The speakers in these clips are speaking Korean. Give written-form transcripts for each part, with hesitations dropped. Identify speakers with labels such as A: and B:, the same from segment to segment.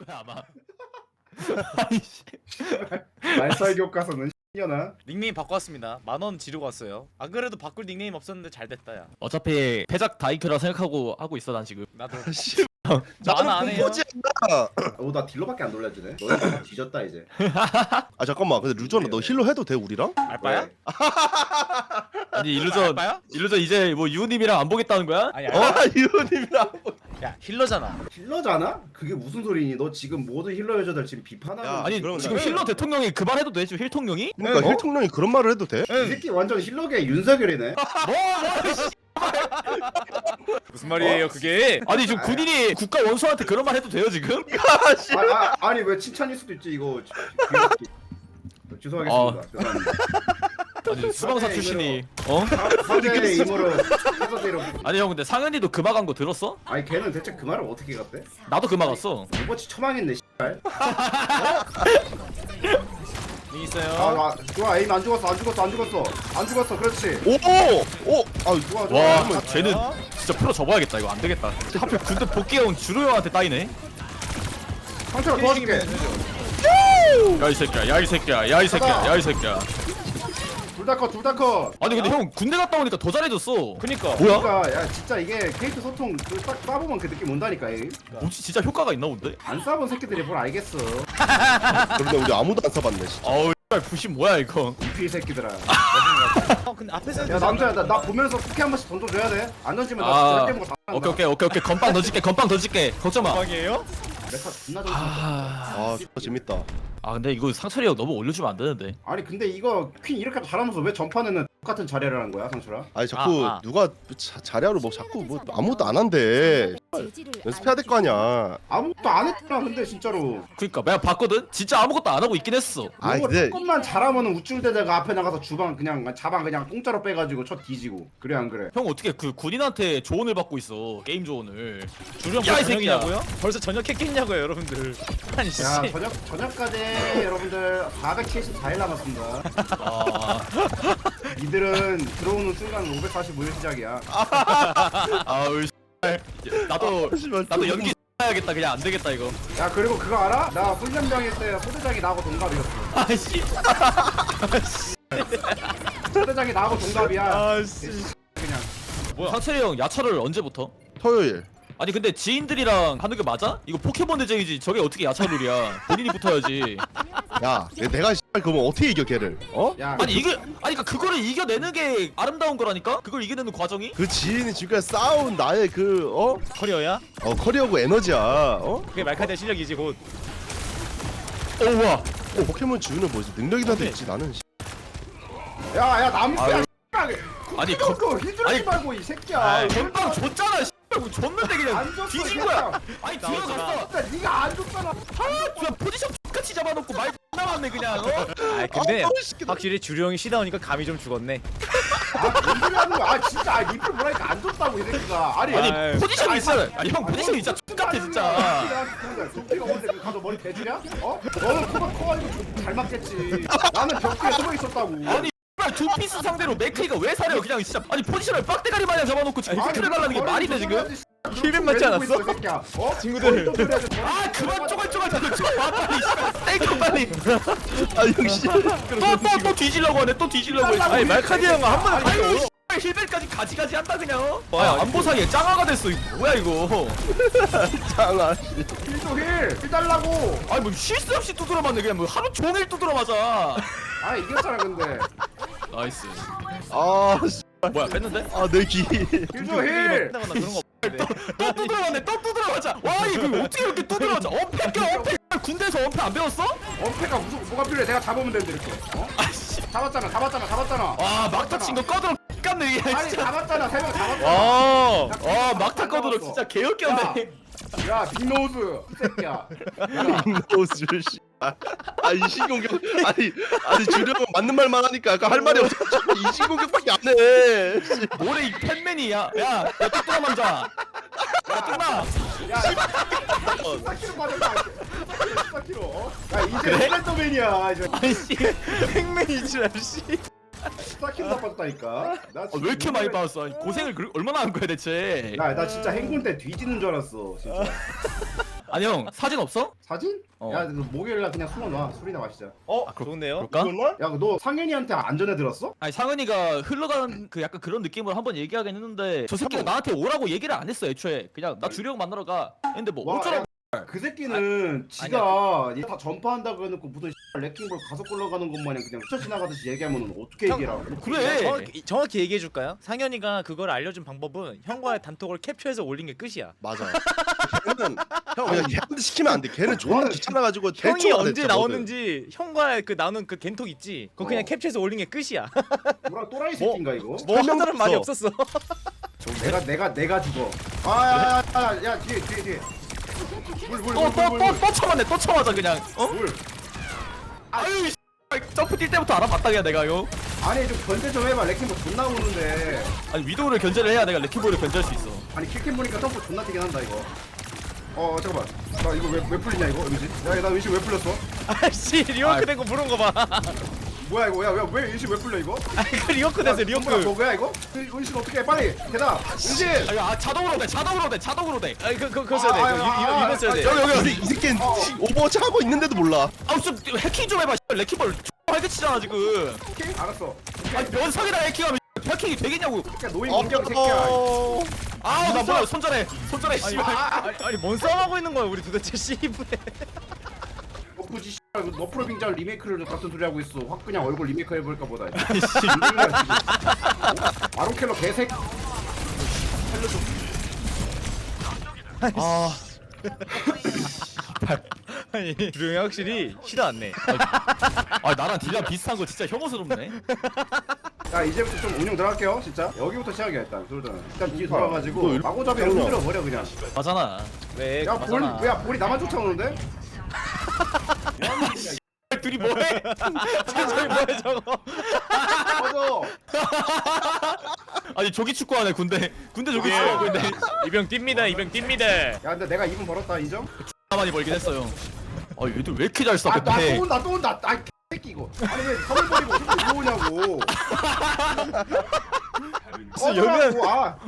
A: 거야 아마. 아이씨.
B: 말살 교과서는 X년아.
C: 닉네임 바꿔왔습니다. 10,000원 지르고 왔어요. 안 그래도 바꿀 닉네임 없었는데 잘 됐다 야.
A: 어차피 패작 다이크라 생각하고 하고 있어 난 지금.
C: 나도
D: 씨,
C: 나는 안 해요.
D: 공포지 않나?
B: 나 딜러밖에 안 놀려주네. 너네 다 뒤졌다 이제.
D: 아 잠깐만, 근데 루전아 너 힐러 해도 돼 우리랑?
C: 알바야?
B: 왜?
A: 아니 일루전
C: 알바야?
A: 일루전 이제 뭐 유우님이랑 안 보겠다는 거야?
C: 아니
D: 어?
C: 알바.
D: 이호님이랑.
C: 야 힐러잖아.
B: 힐러잖아? 그게 무슨 소리니? 너 지금 모든 힐러 여자들 지금 비판하고.
D: 야,
A: 아니
D: 그럼
A: 지금
D: 나-
A: 힐러 대통령이 그 말 해도 돼? 지금 힐통령이?
D: 그러니까
B: 어?
D: 힐통령이 그런 말을 해도 돼?
B: 이 새끼 완전 힐러계 윤석열이네.
C: 무슨 말이에요 그게?
A: 아니 지금 군인이 국가 원수한테 그런 말 해도 돼요 지금?
B: 아니 왜 칭찬일 수도 있지 이거. 죄송하겠습니다. 죄송합니다.
A: 아니 수방사 출신이 어?
B: 사죄의 임으로 해서대로.
A: 아니 형 근데 상현이도 금화 간거 들었어?
B: 아니 걔는 대체 그 말을 어떻게 갔대?
A: 나도 금화 갔어.
B: 오버치 처망했네 씨발.
C: 닉 있어요.
B: 좋아 에임 안 죽었어 안 죽었어 그렇지.
D: 오! 아
B: 좋아 좋아.
A: 와
B: 이러면
A: 쟤는 진짜 프로 접어야겠다 이거 안 되겠다. 하필 군대 복귀해온 주루 형한테 따이네.
B: 상처가 도와줄게.
A: 야 이 새끼야 야 이 새끼야 야 이 새끼야 야 이 새끼야.
B: 둘 다 컷.
A: 아니 근데 형 군대 갔다 오니까 더 잘해졌어.
C: 그니까.
A: 뭐야?
B: 그러니까 야 진짜 이게 캐릭터 소통 딱 쏴보면 그 느낌 온다니까. 에임.
A: 뭐지 진짜 효과가 있나 본데?
B: 안 쏴본 새끼들이 뭘 알겠어.
D: 그런데 우리 아무도 안 써봤네 진짜.
A: 어우 부심 뭐야 이거.
B: 이 새끼들아.
C: 근데 앞에서
B: 야 남자야 나 보면서 쿠키 한 번씩 던져줘야 돼. 안 던지면 나
A: 아,
B: 진짜 깨먹어 다
A: 오케이 건빵 던질게 건빵 던질게 걱정 마.
C: 방이에요?
B: 메카 존나 던져.
A: 아
D: 아 재밌다.
A: 근데 이거 상철이 형 너무 올려주면 안 되는데.
B: 아니 근데 이거 퀸 이렇게 잘하면서 왜 전판에는 똑같은 자리를 한 거야 상철아?
D: 아니 자꾸
C: 아.
D: 누가 자리하로 뭐 자꾸 뭐 아무것도 안 한대. 연습해야 될 거 아니야.
B: 아무것도 안 했잖아 근데 진짜로.
A: 그니까 내가 봤거든. 진짜 아무것도 안 하고 있긴 했어.
D: 아
B: 이거
D: 근데
B: 조금만 잘하면은 우쭐대다가 앞에 나가서 주방 그냥 자방 그냥 공짜로 빼가지고 쳐 뒤지고 그래 안 그래?
A: 형 어떻게 그 군인한테 조언을 받고 있어 게임 조언을.
C: 주령
A: 야, 이
C: 벌써
A: 새끼야.
C: 저녁이냐고요? 벌써 저녁했겠냐고요 여러분들. 아니 씨.
B: 야 저녁까지 여러분들 474일 남았습니다.
A: 아,
B: 이들은 들어오는 순간 545일 시작이야.
A: 아우 나도
D: 씨발,
A: 나도 연기 해야겠다. 그냥 안 되겠다 이거.
B: 야 그리고 그거 알아? 나 훈련병일 때 소대장이 나하고 동갑이었어.
A: 아씨.
B: 소대장이 나하고 동갑이야.
C: 아씨.
B: 그냥.
A: 상철이 형 야차를 언제부터?
D: 토요일.
A: 아니 근데 지인들이랑 하는 게 맞아? 이거 포켓몬 대전이지 저게 어떻게 야차룰이야. 본인이 붙어야지.
D: 야 내가 씨발 그러면 어떻게 이겨 걔를? 어?
B: 야
A: 아니 이게 아니 그러니까 그거를 이겨내는 게 아름다운 거라니까? 그걸 이겨내는 과정이?
D: 그 지인이 지금까지 쌓아온 나의 그
C: 커리어야?
D: 커리어고 에너지야.
C: 그게 말카드의 실력이지 곧.
A: 우와.
D: 포켓몬 주는 뭐지 능력이라도 있지 나는.
B: 야야 남수야.
A: 아니
B: 그거 휘두르지
A: 아니,
B: 말고 이 새끼야.
A: 아 건빵 줬잖아. 씨발 줬는데 그냥
B: 안 줬어,
A: 뒤진
B: 이
A: 거야.
B: 새끼야.
A: 아니
C: 나오잖아.
A: 들어갔어.
B: 근데 네가 안 줬잖아.
A: 그냥 포지션 똑같이 잡아놓고 말 나왔네 그냥.
C: 아 근데
D: 이 새끼들.
C: 확실히 주령이 시다우니까 감이 좀 죽었네.
B: 뭔 소리 하는 거야? 진짜 리플 뭐라니까 안 줬다고 이 새끼가. 아니
A: 아니
C: 아이,
A: 포지션이 있어. 아니 형 포지션이 진짜 똑같아 진짜.
B: 도끼가 언제 가서 머리 대주냐? 어? 너는 커가지고 잘 맞겠지. 나는 벽뒤에 숨어 있었다고.
A: 아니 씨발 두 피스 상대로 맥크리가 왜 사려 그냥 진짜. 아니 포지션을 빡대가리 마냥 잡아놓고 지금 피크를 갈라는 게 말이 돼 지금?
C: 힐벤 맞지 않았어?
B: 어?
C: 친구들.
A: 아 그만 쪼갈쪼갈 좀 빨리 땡겨 빨리.
D: 아 역시.
A: 또 뒤지려고 하네 또 뒤지려고 해.
C: 아니 말카드 형은 한 번에
A: 아유
C: 바뀌어.
A: 힐벨까지 가지가지 한다 그냥. 아 안보상에 짱아가 됐어 이거 뭐야 이거.
D: 장아.
B: 힐도 힐 달라고.
A: 아니 뭐 쉴 새 없이 두드려 맞네 그냥 뭐 하루 종일 두드려 맞아.
B: 아 이겼잖아 근데.
A: 나이스.
D: 아 씨.
A: 뭐야 뺐는데?
D: 아내 귀.
B: 힐도 힐.
C: 나거나 그런 거 없는데.
A: 또 두드려 맞네 또 두드려 맞아. 와 이거 어떻게 이렇게 두드려 맞아. 엄폐 껴 엄폐. 군대에서 엄폐 안 배웠어?
B: 엄폐가 무슨 뭐가 필요해? 내가 잡으면 되는데 이렇게. 어?
A: 아씨.
B: 잡았잖아.
A: 와 막타 친거 꺼들어 깠네 이게
B: 아니
A: 진짜.
B: 잡았잖아. 3명 잡았잖아.
C: 와.
A: 막타 꺼들어 진짜 개역겼네.
B: 야 빅노즈 이 새끼야.
D: 노스 씨. 아 이신공격. 아니 주령은 맞는 말만 하니까 약간 할 말이 없어. 이신공격밖에 안 해.
A: 뭐래 이 팬맨이야. 야 뚜뚜라 남자. 야 뚜나.
B: 야 14kg 맞았다. 14kg. 야 이제 슬렌더맨이야 이제.
A: 아이씨.
C: 팽맨이지 씨.
B: 14kg 나빠졌다니까.
A: 왜 이렇게 많이 받았어? 아니, 고생을 얼마나 한 거야 대체?
B: 나 진짜 행군 때 뒤지는 줄 알았어 진짜.
A: 아니 형 사진 없어?
B: 사진?
A: 어.
B: 야, 너 목요일날 그냥 숨어놔. 술이나 마시자.
C: 좋은데요?
A: 그럴까?
D: 정말?
B: 야, 너 상현이한테 안 전해들었어?
A: 아니 상은이가 흘러가는 그 약간 그런 느낌으로 한번 얘기하긴 했는데 저 새끼가 나한테 오라고 얘기를 안 했어 애초에. 그냥 나 주령 만나러 가. 근데 뭐
B: 와,
A: 어쩌라고.
B: 그 새끼는 지가 얘 다 전파한다고 해놓고 무슨 레킹볼 가서 굴러가는 것 마냥 그냥 스쳐 지나가듯이 얘기하면 어떻게
C: 형,
B: 얘기라고?
A: 그래.
C: 정확히 얘기해 줄까요? 상현이가 그걸 알려준 방법은 형과의 단톡을 캡처해서 올린 게 끝이야.
D: 맞아. 걔는 형 그냥 걔한테 시키면 안 돼. 걔는 존나 귀찮아가지고
C: 형이
D: 대충 안
C: 언제
D: 했잖아,
C: 나오는지 형과의 그 나오는 그 겐톡 있지? 그거 그냥
B: 어.
C: 캡처해서 올린 게 끝이야.
B: 뭐랑 또라이 새끼인가 이거?
C: 뭐 하자는 말이
D: 없어.
C: 없었어.
B: 내가 죽어. 야 뒤에.
A: 또 쳐맞네. 또 쳐맞아 그냥. 어?
B: 물.
A: 아유 이 점프 뛸 때부터 알아봤다 그냥 내가 이거.
B: 아니 좀 견제 좀 해봐. 레킹볼 존나 오는데.
A: 아니 위도우를 견제를 해야 내가 레킹볼을 견제할 수 있어.
B: 아니 킬캠 보니까 점프 존나 뛰긴 한다 이거. 잠깐만. 나 이거 왜 풀리냐 이거 음식? 나 음식 왜 풀렸어?
C: 아씨 리워크 된 거 부른 거 봐.
B: 뭐야 이거? 왜 음식 왜 풀려 이거?
C: 아 이거 리워크 됐어 리워크.
B: 뭐야 이거? 음식 어떻게 해? 빨리 대답. 음식.
A: 자동으로 돼.
C: 아니 그거 써야 돼. 이거 써야 돼.
A: 여기.
D: 이 새끼는 오버워치 하고 있는데도 몰라.
A: 좀 해킹 좀 해봐. 레킹볼 활개치잖아 지금.
B: 오케이 알았어.
A: 아니 면상이랑 해킹하면 해킹이 되겠냐고.
B: 그냥 노인 공격 새끼야.
A: 나 뭐야 손절해 씨발.
C: 아니 뭔 싸움하고 있는 거야 우리 도대체 씨부에.
B: 너프지 씨발 너프로 빙자를 리메이크를 같은 소리 하고 있어. 확 그냥 얼굴 리메이크 해볼까 보다. 아론켈러 개새끼.
A: 아
C: 아니 주령이 확실히 시도 안 내.
A: 나랑 딜량 비슷한 거 진짜 혐오스럽네.
B: 자 이제부터 좀 운영 들어갈게요 진짜. 여기부터 시작이야 일단. 일단 뒤에
D: 너
B: 돌아가지고
D: 일-
B: 마고잡이를
D: 형이야.
B: 흔들어 버려 그냥.
A: 맞잖아.
C: 왜?
B: 야 볼이 나만 쫓아오는데?
A: 둘이 뭐해?
C: 저기 뭐야 저거?
B: 꺼져.
A: 아니 조기 축구하네 군대 조기 축구하고 있네.
C: 이병 뜁니다 이병 뜁니다.
B: 야 근데 내가 2분 벌었다 인정?
A: 많이 벌긴 했어요. 얘들 왜 이렇게 잘 써?
B: 나
A: 근데
B: 또 온다. 아 새끼 이거. 아니 왜 선을 버리고 어떻게 이거 오냐고. 꺼져라고.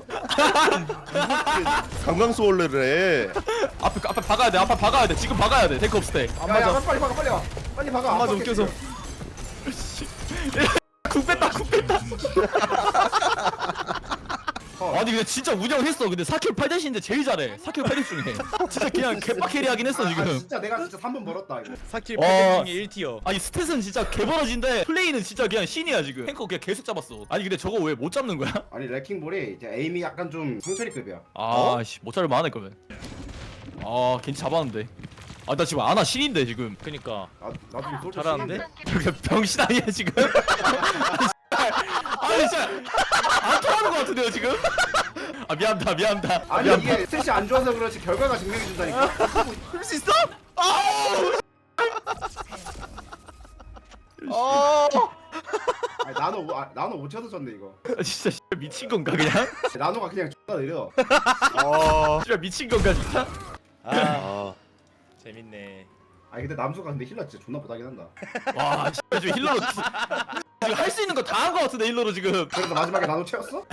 D: 강강수월래를 해.
A: 앞에 박아야 돼. 지금 박아야 돼. 테이크 업스테.
B: 야, 빨리 박아. 빨리 박아.
C: 안 맞아, 웃겨서.
A: 국 뺐다. 아니 근데 진짜 운영했어. 근데 4킬 8대신인데 제일 잘해. 4킬 8대 중에. 진짜 그냥 개빡 캐리하긴 했어 지금.
B: 진짜 내가 진짜 3분 벌었다 이거.
C: 4킬
A: 와.
C: 8대 중에 1티어.
A: 아니 스탯은 진짜 개버러진데 플레이는 진짜 그냥 신이야 지금. 탱커 그냥 계속 잡았어. 아니 근데 저거 왜 못 잡는 거야?
B: 아니 레킹볼이 이제 에임이 약간 좀 상처리급이야.
A: 씨, 못 잡을 만하네 그러면. 괜히 잡았는데. 나 지금 아나 신인데 지금.
C: 그니까
B: 나도 좀 솔직히
C: 잘하는데?
A: 그게 병신 아니야 지금? 아니 진짜 안 통하는 거 같은데요 지금? 미안합니다.
B: 아니 이게 스탯이 안 좋아서 그렇지 결과가 증명해 준다니까.
A: 할 수 있어?
B: 아니 나노 못 쳐서 졌네 이거.
A: 진짜 씨발 미친 건가 그냥?
B: 나노가 그냥 존나 느려.
A: 씨발 미친 건가 진짜?
C: 아 재밌네.
B: 아니 근데 남수가 근데 힐러 진짜 존나 못하긴 한다.
A: 와 씨발 지금 힐러로 지금 할 수 있는 거 다 한 거 같은데 힐러로 지금.
B: 그래서 마지막에 나노 채웠어?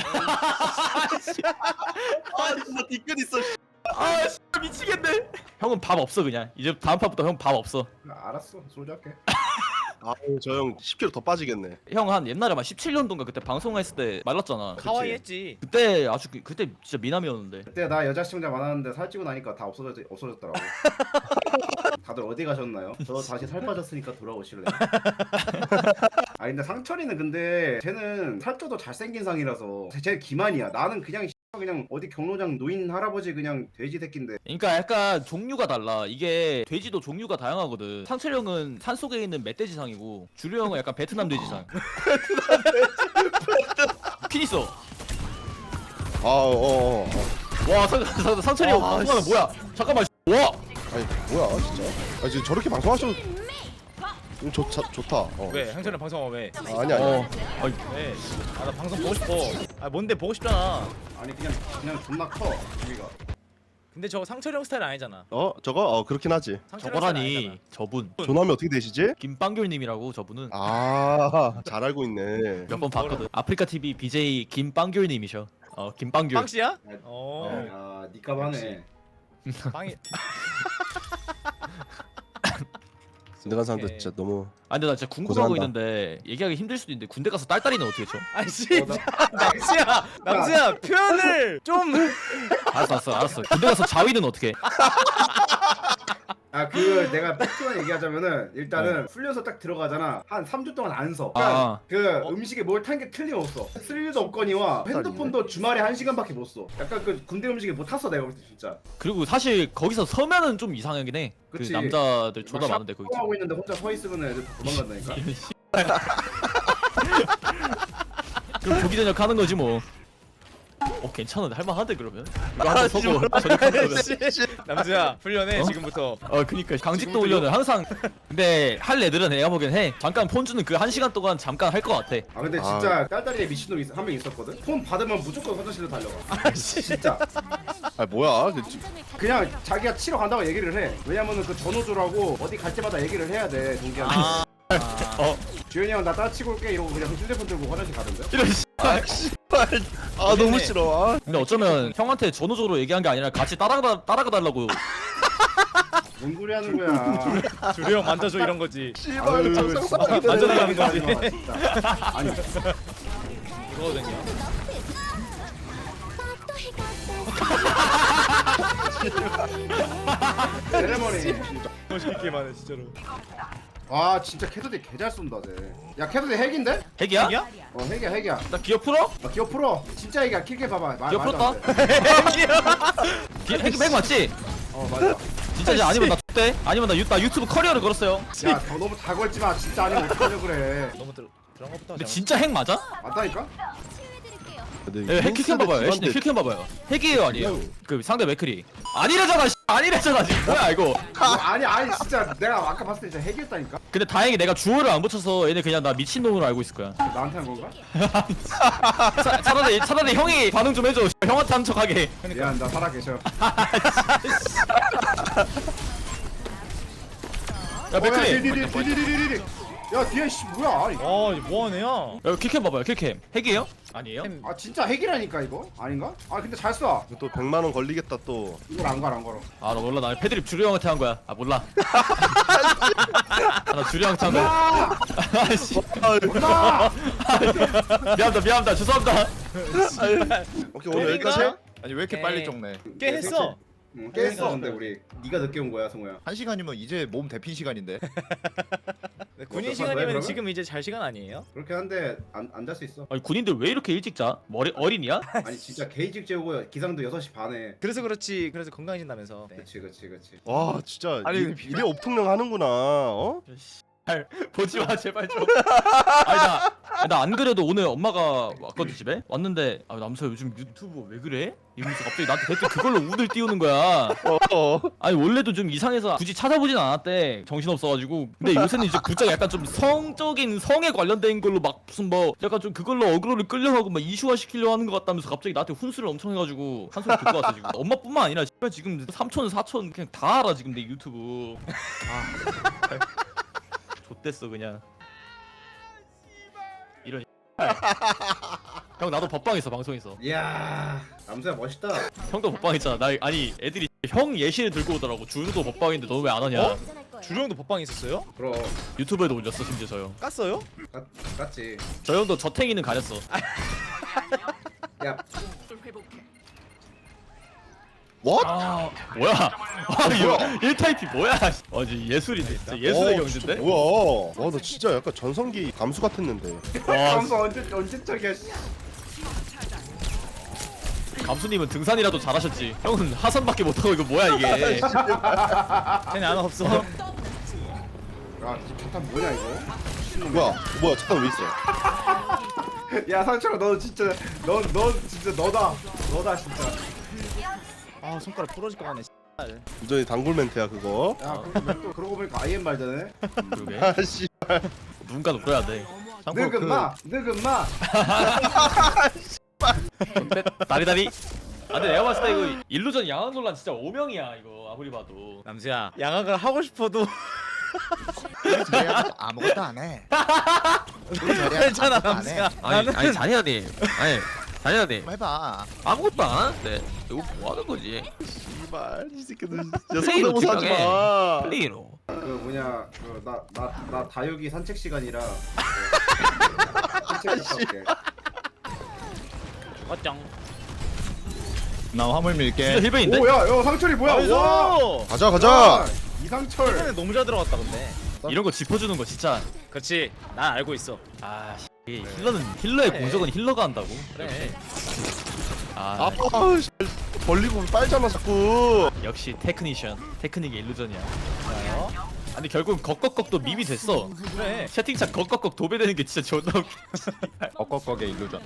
D: 진짜 뒤끝 있어.
A: 씨발 미치겠네. 형은 밥 없어 그냥. 이제 다음 판부터 형 밥 없어.
B: 알았어 솔직히 할게.
D: 저 형 10kg 더 빠지겠네.
A: 형 한 옛날에 막 17년도인가 그때 방송했을 때 말랐잖아.
C: 카와이 했지.
A: 그때 아주 그때 진짜 미남이었는데.
B: 그때 나 여자 시청자 많았는데 살찌고 나니까 다 없어졌더라고. 다들 어디 가셨나요? 저 다시 살 빠졌으니까 돌아오실래요? 아 근데 상철이는 근데 쟤는 살쪄도 잘생긴 상이라서 쟤 기만이야. 나는 그냥 어디 경로장 노인 할아버지 그냥 돼지 새끼인데.
A: 그러니까 약간 종류가 달라. 이게 돼지도 종류가 다양하거든. 상철 형은 산 속에 있는 멧돼지 상이고 주류 형은 약간 베트남 돼지 상. 핀 있어. 와 상철이 형 방송하면 뭐야? 잠깐만. 와.
D: 아니 뭐야 진짜. 지금 저렇게 방송하셔도 좋다.
C: 왜? 형철은 방송하면 왜?
D: 아니.
C: 왜? 나 방송 보고 싶어. 뭔데 보고 싶잖아.
B: 아니 그냥 존나 커 우리가.
C: 근데 저거 상철이 형 스타일 아니잖아.
D: 저거 그렇긴 하지.
C: 상철이 형 스타일
A: 저거라니
C: 아니잖아.
A: 저분
D: 조남이 어떻게 되시지?
A: 김빵귤님이라고 저분은
D: 잘 알고 있네.
A: 몇 번 봤거든. 아프리카 TV BJ 김빵귤님이셔. 김빵귤.
C: 빵씨야?
B: 야 니값 하네.
C: 빵이
D: 군대 간 사람들 진짜 너무.
A: 아 근데 나 진짜 궁금하고
D: 고생한다.
A: 있는데 얘기하기 힘들 수도 있는데 군대 가서 딸딸이는 어떻게 쳐?
C: 아이씨 남수야 표현을 좀
A: 알았어. 군대 가서 자위는 어떻게 해?
B: 아 그 내가 팩트만 얘기하자면은 일단은 훈련소 딱 들어가잖아. 한 3주 동안 안 서.
A: 아.
B: 그 음식에 뭘 탄 게 틀림없어. 쓸 일도 없거니와 핸드폰도 주말에 1시간밖에 못 써. 약간 그 군대 음식에 못 탔어 내가 볼 때 진짜.
A: 그리고 사실 거기서 서면은 좀 이상하긴 해. 그
B: 그치.
A: 남자들 존나 많은데 거기.
B: 하고 있는데 혼자 서 있으면 애들 다 도망간다니까.
A: 그럼 조기 전역 하는 거지 뭐. 괜찮은데 할만한데 그러면? 이거 한번 서고 전역하는 거면.
C: 남수야 훈련해
A: 어?
C: 지금부터.
A: 그니까 강직도 훈련을 항상. 근데 할 애들은 내가 보기엔 해. 잠깐 폰 주는 그 1시간 동안 잠깐 할 것 같아.
B: 아 근데 진짜 딸딸이에 미친놈이 한 명 있었거든. 폰 받으면 무조건 화장실로 달려가. 진짜.
D: 아 뭐야?
B: 그냥 자기가 치러 간다고 얘기를 해. 왜냐면은 그 전호조라고 어디 갈 때마다 얘기를 해야 돼 동기한테. 주현이 형 나 따라치고 올게 이러고 그냥 휴대폰 들고 화장실 가던데.
A: 이런 씨.
D: 아 너무 싫어.
A: 근데 어쩌면 형한테 전호적으로 얘기한 게 아니라 같이 따라가 달라고.
B: 뭔 소리 하는 거야.
C: 주류 형 만져줘 이런 거지.
B: 아유,
D: 상상하게
B: 진짜.
C: 만져달라는 거지.
B: 하지 마, 진짜. 아니
C: 이거거든요.
B: 세레머니.
C: 멋있게만 해 진짜로.
B: 와 진짜 캐서디 개 잘 쏜다 쟤. 야 캐서디 핵인데?
A: 핵이야?
C: 핵이야?
B: 어 핵이야.
A: 나 기어 풀어?
B: 아 기어 풀어. 진짜 핵이야. 킬게 봐봐.
A: 기어
B: 말도 안
A: 풀었다?
B: 돼.
A: 핵 맞지?
B: 어 맞아.
A: 진짜지? 아니면 나 X대? 아니면 나 유튜브 커리어를 걸었어요.
B: 야 더 너무 다 걸지 마. 진짜 아니면 어떡하려 그래.
C: 너무 들어간 것부터
A: 근데
C: 하자.
A: 진짜 핵 맞아?
B: 맞다니까?
A: 핵 킬캠 봐봐요. 애쉬님 킬캠 봐봐요. 핵이에요 아니에요? 그 상대 맥크리. 아니래잖아. 아니래잖아 지금. 뭐야 이거?
B: 아니 진짜 내가 아까 봤을 때 진짜 핵이었다니까?
A: 근데 다행히 내가 주어를 안 붙여서 얘네 그냥 나 미친놈으로 알고 있을 거야.
B: 나한테 한 건가?
A: 차라리 형이 반응 좀 해줘. 형한테 한 척하게.
B: 미안 나 살아계셔.
A: 야 맥크리.
B: 디디디디디디디. 야 뒤에 씨 뭐야? 아니.
C: 이거 뭐하는 애야?
A: 야 킬캠 봐봐요. 킬캠. 핵이에요? 아니에요?
B: 아 진짜 핵이라니까 이거? 아닌가? 아 근데 잘 쏴.
D: 또 100만 원 걸리겠다 또.
B: 이걸 안 걸어.
A: 아 나 몰라. 나 패드립 주류 형한테 한 거야. 아 몰라. 나 주류 형한테 한 거야.
B: 아!
A: 아씨.
B: 나!
A: 미안합니다. 죄송합니다.
D: 오케이 오늘 여기까지 해?
E: 아니 왜 이렇게
C: 오케이.
E: 빨리 적네?
C: 꽤 했어.
B: 응, 깼어 근데 우리 네가 늦게 온 거야 성우야.
E: 1시간이면 이제 몸 데핀 시간인데.
C: 네, 군인
B: 왜,
C: 시간이면
B: 그러면?
C: 지금 이제 잘 시간 아니에요?
B: 그렇게 한데 안 잘 수 있어.
A: 아니 군인들 왜 이렇게 일찍 자? 어린이야?
B: 아니 진짜 게이직 재우고 기상도 6시 반에.
C: 그래서 그렇지. 그래서 건강해진다면서. 네.
B: 그치.
D: 와 진짜
E: 아니,
D: 이래 업통령 하는구나. 어?
A: 보지 마 제발 좀. 아니 나 안 그래도 오늘 엄마가 왔거든 집에 왔는데 남서 요즘 유튜브 왜 그래? 이러면서 갑자기 나한테 댓글 그걸로 운을 띄우는 거야. 아니 원래도 좀 이상해서 굳이 찾아보진 않았대. 정신 없어가지고. 근데 요새는 이제 부쩍 약간 좀 성적인 성에 관련된 걸로 막 무슨 뭐 약간 좀 그걸로 어그로를 끌려가고 막 이슈화 시키려 하는 것 같다면서 갑자기 나한테 훈수를 엄청 해가지고 한 소리 듣고 왔어 지금. 엄마뿐만 아니라 지금 삼촌 사촌 그냥 다 알아 지금 내 유튜브. 좆됐어 그냥. 이런 형 나도 법방했어 방송에서.
B: 이야 남수야 멋있다.
A: 형도 법방했잖아. 나 아니 애들이 형 예시를 들고 오더라고. 주루도 법방인데 너 왜 안 하냐?
C: 주류 형도 법방에 있었어요?
B: 그럼
A: 유튜브에도 올렸어 심지어 저 형.
C: 깠어요?
B: 깠지.
A: 저 형도 저탱이는 가렸어.
B: 야
D: What?
A: 뭐야? 이거 1타입이 뭐야? 진짜 예술이네. 진짜 예술의 경지인데?
D: 뭐야? 와 너 진짜 약간 전성기 감수 같았는데.
A: 와
B: 남수 언제 적이야?
A: 감수님은 등산이라도 잘하셨지. 형은 하산밖에 못하고 이거 뭐야 이게?
C: 쟤네 안 없어.
B: 야 잠깐 뭐냐 이거?
D: 뭐야 잠깐 왜 있어?
B: 야 상철아 너 진짜 넌 진짜 너다 진짜.
C: 아 손가락 부러질 것 같네.
D: 완전히 단골 멘트야 그거.
B: 야 또 그러고 보니까 IM 말되네.
A: 그러게.
D: 아씨.
A: 누군가 높여야 돼. 참고로 그
B: 늙은 마.
A: 다리다리. 근데 내가 봤을 때 이거 일루전 양악 논란 진짜 오명이야 이거 아무리 봐도.
C: 남수야 양악을 하고 싶어도
E: 자리야 아무것도 안 해.
C: 괜찮아 남수야.
A: 아니 자리야님. 아니
F: 다니아님
E: 해봐.
F: 아무것도 안 하는데 이거 뭐 하는 거지?
D: 씨발 이 새끼들 진짜
F: 플레이로
D: 성대모사 하지
F: 집중해.
D: 마.
F: 플레이로.
B: 그 뭐냐 나 다육이 산책 시간이라 산책 갔다 올게.
C: 어짱.
E: 나 화물
A: 진짜
E: 밀게.
A: 힐베인데?
B: 오야 상철이 뭐야? 와.
C: 나이스.
D: 가자 가자.
B: 이상철.
C: 최근에 너무 잘 들어갔다 근데.
A: 이런 거 짚어주는 거 진짜.
C: 그렇지. 난 알고 있어.
A: 아 씨. 힐러의 공적은 힐러가 한다고.
C: 그래.
A: 아
D: 씨, 벌리고 빨잖아 자꾸.
A: 역시 테크니션. 테크닉의 일루전이야.
C: 좋아요.
A: 아니 결국 걱걱걱도 밈이 됐어.
C: 그래.
A: 채팅창 걱걱걱 도배되는 게 진짜 존나 웃겨.
E: 엇걱걱의 일루전.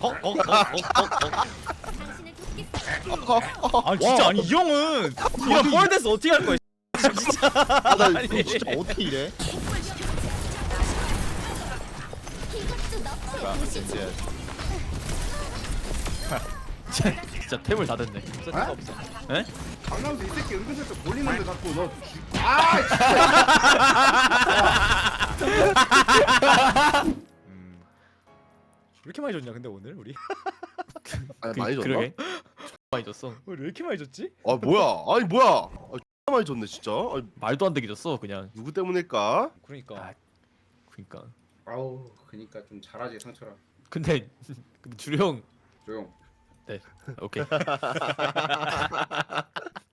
C: 아 진짜 아니 이 형은 이런 뻘돼서 어떻게 할 거야? 진짜.
D: 나
C: 아니.
E: 진짜 어떻게 이래?
A: 진짜 템을 다 됐네.
C: 없어 없어.
A: 에?
B: 강남수 이 새끼 은근슬쩍 돌리는데 자꾸 너. 아 진짜.
C: 왜 이렇게 많이 줬냐 근데 오늘 우리?
D: 아니 많이 줬나?
A: 그러게. 많이 줬어.
C: 오늘 왜 이렇게 많이 줬지?
D: 아 뭐야? 아니 뭐야? 아, X 많이 줬네 진짜. 아니,
A: 말도 안 되게 줬어 그냥.
D: 누구 때문일까?
C: 그러니까.
A: 그니까.
B: 아우 그니까 좀 잘하지 상철아.
A: 근데 주령
B: 조용.
A: 오케이.